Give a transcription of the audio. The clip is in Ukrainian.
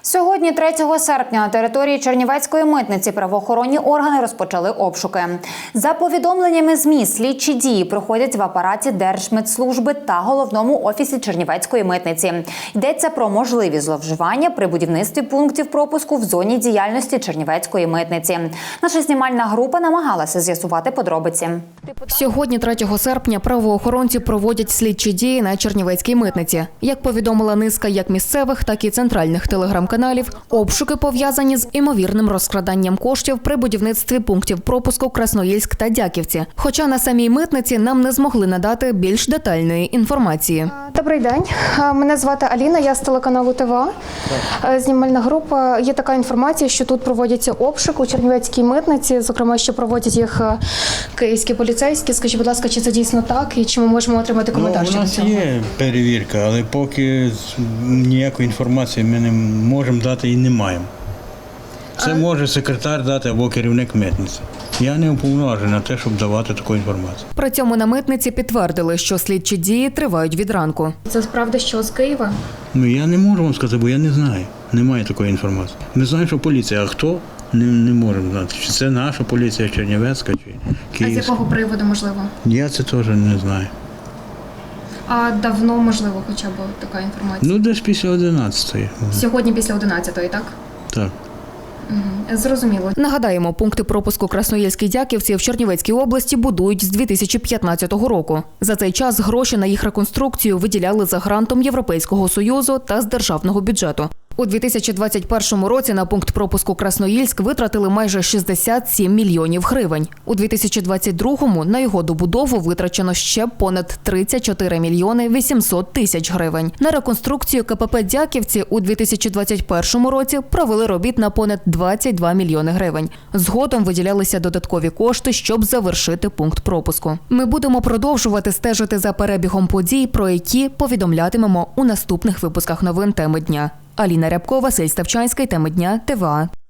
Сьогодні, 3 серпня, на території Чернівецької митниці правоохоронні органи розпочали обшуки. За повідомленнями ЗМІ, слідчі дії проходять в апараті Держмитслужби та головному офісі Чернівецької митниці. Йдеться про можливі зловживання при будівництві пунктів пропуску в зоні діяльності Чернівецької митниці. Наша знімальна група намагалася з'ясувати подробиці. Сьогодні, 3 серпня, правоохоронці проводять слідчі дії на Чернівецькій митниці. Як повідомила низка як місцевих, так і центральних телеграм-каналів, обшуки пов'язані з імовірним розкраданням коштів при будівництві пунктів пропуску Красноїльськ та Дяківці. Хоча на самій митниці нам не змогли надати більш детальної інформації. Добрий день. Мене звати Аліна, я з телеканалу ТВА. Знімальна група. Є така інформація, що тут проводяться обшук у Чернівецькій митниці, зокрема, що проводять їх київські поліцейські. Скажіть, будь ласка, чи це дійсно так і чи ми можемо отримати коментар щодо цього? У нас є перевірка, але поки ніякої інформації ми не можемо дати і не маємо. Це може секретар дати або керівник митниці. Я не уповноважений на те, щоб давати таку інформацію. При цьому на митниці підтвердили, що слідчі дії тривають від ранку. Це правда, що з Києва? Я не можу вам сказати, бо я не знаю. Немає такої інформації. Ми знаємо, що поліція, а хто? Не можемо знати. Чи це наша поліція, Чернівецька, чи Київська. А з якого приводу, можливо? Я це теж не знаю. А давно, можливо, хоча б така інформація? Десь після 11-ї. Сьогодні після 11-ї, так? Так. Зрозуміло. Нагадаємо, пункти пропуску Красноїльській Дяківці в Чернівецькій області будують з 2015 року. За цей час гроші на їх реконструкцію виділяли за грантом Європейського Союзу та з державного бюджету. У 2021 році на пункт пропуску Красноїльськ витратили майже 67 мільйонів гривень. У 2022-му на його добудову витрачено ще понад 34 мільйони 800 тисяч гривень. На реконструкцію КПП Дяківці у 2021 році провели робіт на понад 22 мільйони гривень. Згодом виділялися додаткові кошти, щоб завершити пункт пропуску. Ми будемо продовжувати стежити за перебігом подій, про які повідомлятимемо у наступних випусках новин «Теми дня». Аліна Рябко, Василь Ставчанський, «Теми дня», ТВА.